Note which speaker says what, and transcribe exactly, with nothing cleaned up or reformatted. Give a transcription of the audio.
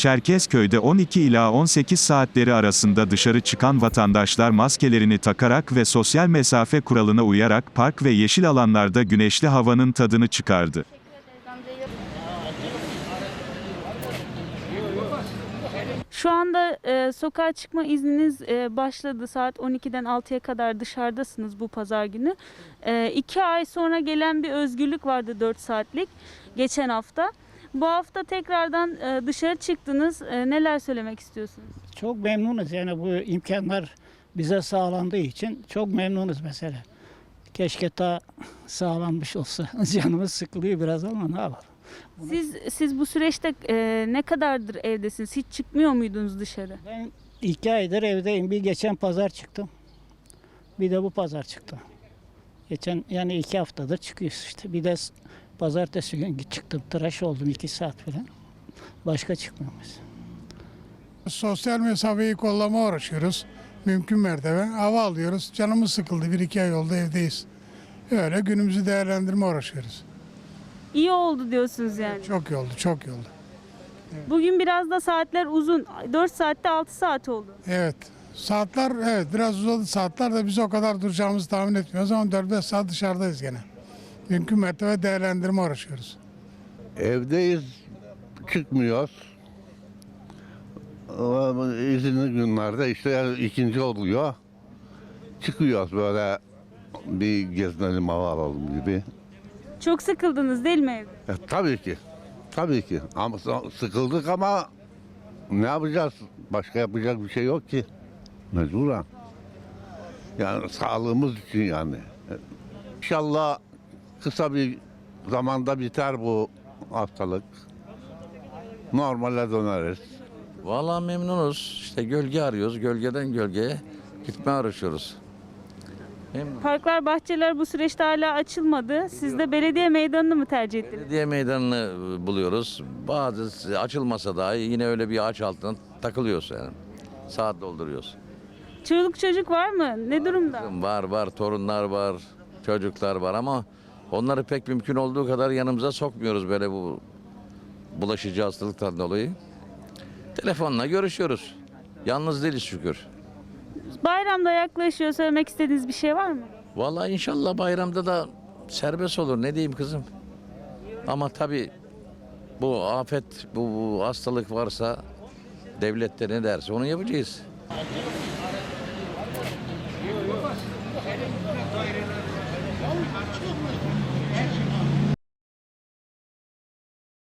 Speaker 1: Çerkezköy'de on iki ila on sekiz saatleri arasında dışarı çıkan vatandaşlar maskelerini takarak ve sosyal mesafe kuralına uyarak park ve yeşil alanlarda güneşli havanın tadını çıkardı.
Speaker 2: Şu anda e, sokağa çıkma izniniz e, başladı. Saat on ikiden altıya kadar dışarıdasınız bu pazar günü. E, iki ay sonra gelen bir özgürlük vardı dört saatlik geçen hafta. Bu hafta tekrardan e, dışarı çıktınız. E, neler söylemek istiyorsunuz?
Speaker 3: Çok memnunuz yani bu imkanlar bize sağlandığı için çok memnunuz mesela. Keşke daha sağlanmış olsa. Canımız sıkılıyor biraz ama ne yapalım.
Speaker 2: Siz siz bu süreçte e, ne kadardır evdesiniz? Hiç çıkmıyor muydunuz dışarı?
Speaker 3: Ben iki aydır evdeyim. Bir geçen pazar çıktım. Bir de bu pazar çıktı. Geçen yani iki haftadır çıkıyoruz işte. Bir de pazartesi günü çıktım. Tıraş oldum iki saat falan. Başka çıkmıyoruz.
Speaker 4: Sosyal mesafeyi kollama uğraşıyoruz. Mümkün mertebe hava alıyoruz. Canımız sıkıldı. Bir iki ay oldu evdeyiz. Öyle günümüzü değerlendirme uğraşıyoruz.
Speaker 2: İyi oldu diyorsunuz yani.
Speaker 4: Çok iyi oldu, çok iyi oldu.
Speaker 2: Bugün biraz da saatler uzun. dört saatte altı saat oldu.
Speaker 4: Evet. Saatler evet biraz uzadı. Saatler de biz o kadar duracağımızı tahmin etmiyoruz ama dört beş saat dışarıdayız gene. Mümkün mertebe değerlendirme uğraşıyoruz.
Speaker 5: Evdeyiz, çıkmıyoruz. Ama İzinli günlerde işte yani ikinci oluyor. Çıkıyoruz böyle bir gezinelim, hava alalım gibi.
Speaker 2: Çok sıkıldınız değil mi evde?
Speaker 5: E, tabii ki, tabii ki. Ama sıkıldık ama ne yapacağız? Başka yapacak bir şey yok ki. Mecburen. Yani sağlığımız için yani. İnşallah kısa bir zamanda biter bu hastalık. Normale döneriz.
Speaker 6: Vallahi memnunuz. İşte gölge arıyoruz. Gölgeden gölgeye gitmeye uğraşıyoruz. Memnun.
Speaker 2: Parklar, bahçeler bu süreçte hala açılmadı. Siz de belediye meydanını mı tercih ettiniz?
Speaker 6: Belediye meydanını buluyoruz. Bazı açılmasa dahi yine öyle bir ağaç altına takılıyoruz yani. Saat dolduruyoruz.
Speaker 2: Çoluk çocuk var mı? Ne durumda?
Speaker 6: Var var, torunlar var, çocuklar var ama onları pek mümkün olduğu kadar yanımıza sokmuyoruz böyle bu bulaşıcı hastalıktan dolayı. Telefonla görüşüyoruz. Yalnız değiliz şükür.
Speaker 2: Bayramda yaklaşıyor. Söylemek istediğiniz bir şey var mı?
Speaker 6: Vallahi inşallah bayramda da serbest olur. Ne diyeyim kızım? Ama tabii bu afet, bu, bu hastalık varsa devlet de ne derse onu yapacağız.